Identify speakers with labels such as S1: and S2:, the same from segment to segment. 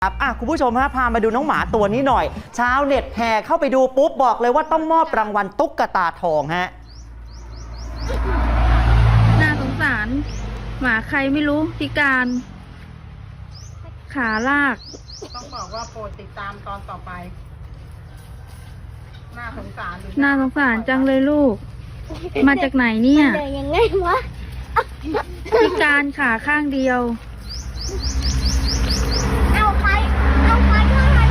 S1: คุณผู้ชมฮะพามาดูน้องหมาตัวนี้หน่อยชาวเน็ตแห่เข้าไปดูปุ๊บบอกเลยว่าต้องมอบรางวัลตุ๊กตาทองฮะ
S2: น่าสงสารหมาใครไม่รู้พิการขาลาก
S3: ต้องบอกว่าโปรดติดตามตอนต่อไปน่าสงสาร
S2: จังเลยลูกมาจากไหนเนี่ย
S4: เดินยังไงวะ
S2: พิการขาข้างเดียว
S4: เอาใครเอามา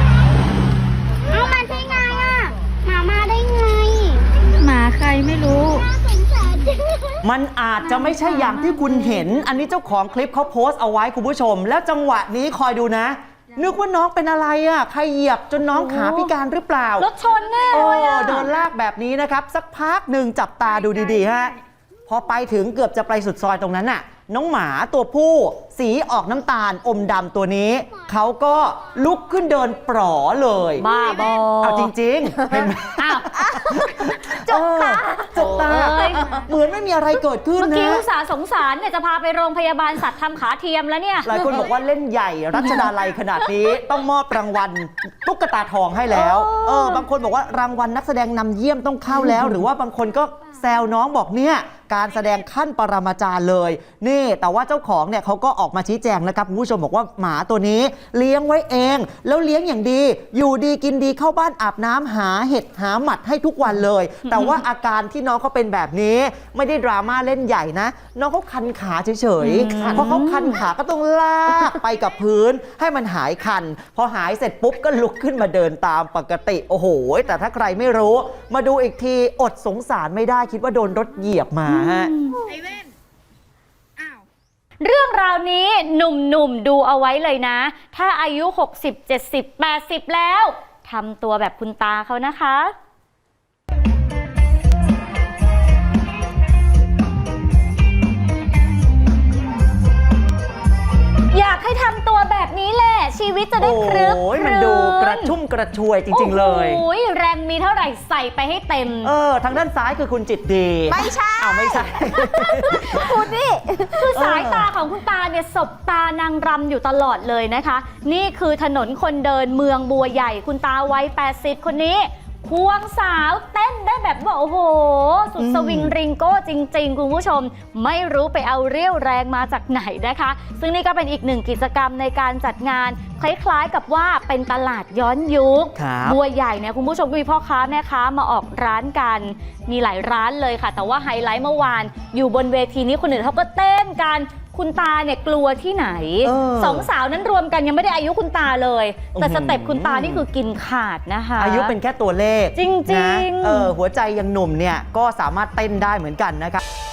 S4: ได้ไงอ่ะมาได้ไง
S2: หมาใครไม่รู้
S4: น่าสงสารจัง
S1: มันอาจจะไม่ใช่อย่างที่คุณเห็นอันนี้เจ้าของคลิปเขาโพสต์เอาไว้คุณผู้ชมแล้วจังหวะนี้คอยดูนะนึกว่าน้องเป็นอะไรอ่ะใครเหยียบจนน้องขาพิการหรือเปล่าร
S2: ถชนแน่เลยอ่ะ
S1: โดนลากแบบนี้นะครับสักพักหนึ่งจับตาดูดีๆฮะพอไปถึงเกือบจะไปสุดซอยตรงนั้นน่ะน้องหมาตัวผู้สีออกน้ำตาลอมดำตัวนี้เขาก็ลุกขึ้นเดินปลอเลย
S2: บ้าบอ
S1: เอาจริงๆเห็นไหม
S4: จบตา
S1: เหมือนไม่มีอะไรเกิดขึ้นนะ
S2: เมื่อกี้อุตส่าห์สงสารเนี่ยจะพาไปโรงพยาบาลสัตว์ทำขาเทียมแล้วเนี่ย
S1: หลายคนบอกว่าเล่นใหญ่รัชดาลัยขนาดนี้ต้องมอบรางวัลตุ๊กตาทองให้แล้วบางคนบอกว่ารางวัลนักแสดงนำเยี่ยมต้องเข้าแล้วหรือว่าบางคนก็แซวน้องบอกเนี่ยการแสดงขั้นปรมาจารย์เลยนี่แต่ว่าเจ้าของเนี่ยเขาก็ออกมาชี้แจงนะครับคุณผู้ชมบอกว่าหมาตัวนี้เลี้ยงไว้เองแล้วเลี้ยงอย่างดีอยู่ดีกินดีเข้าบ้านอาบน้ำหาเห็ดหาหมัดให้ทุกวันเลยแต่ว่าอาการที่น้องเขาเป็นแบบนี้ไม่ได้ดราม่าเล่นใหญ่นะน้องเขาคันขาเฉยๆเพราะเขาคันขาก็ต้องลากไปกับพื้นให้มันหายคันพอหายเสร็จปุ๊บก็ลุกขึ้นมาเดินตามปกติโอ้โหแต่ถ้าใครไม่รู้มาดูอีกทีอดสงสารไม่ได้คิดว่าโดนรถเหยียบมาฮะ
S2: เรื่องราวนี้หนุ่มๆดูเอาไว้เลยนะถ้าอายุ60 70 80แล้วทำตัวแบบคุณตาเขานะคะอยากให้ทำตัวแบบนี้แหละชีวิตจะได้ครึก
S1: มันดูกระชุ่มกระชวยจริงๆเลย
S2: โอ้ยแรงมีเท่าไหร่ใส่ไปให้เต็ม
S1: ทางด้านซ้ายคือคุณจิตดี
S4: ไม่ใช่
S1: ไม่ใช่
S4: คุณนี่
S2: คือสายตาของคุณตาเนี่ยสบตานางรำอยู่ตลอดเลยนะคะนี่คือถนนคนเดินเมืองบัวใหญ่คุณตาวัย80คนนี้ควงสาวเต้นได้แบบว่าโอ้โหสุดสวิงริงโก้จริงๆคุณผู้ชมไม่รู้ไปเอาเรี่ยวแรงมาจากไหนนะคะซึ่งนี่ก็เป็นอีกหนึ่งกิจกรรมในการจัดงานคล้ายๆกับว่าเป็นตลาดย้อนยุคบัวใหญ่เนี่ยคุณผู้ชมมีพ่อค้าแม่ค้ามาออกร้านกันมีหลายร้านเลยค่ะแต่ว่าไฮไลท์เมื่อวานอยู่บนเวทีนี้คนอื่นเขาก็เต้นกันคุณตาเนี่ยกลัวที่ไหนสองสาวนั้นรวมกันยังไม่ได้อายุคุณตาเลยแต่สเต็ปคุณตานี่คือกินขาดนะคะ
S1: อายุเป็นแค่ตัวเลข
S2: จริงๆ
S1: หัวใจยังหนุ่มเนี่ยก็สามารถเต้นได้เหมือนกันนะครับ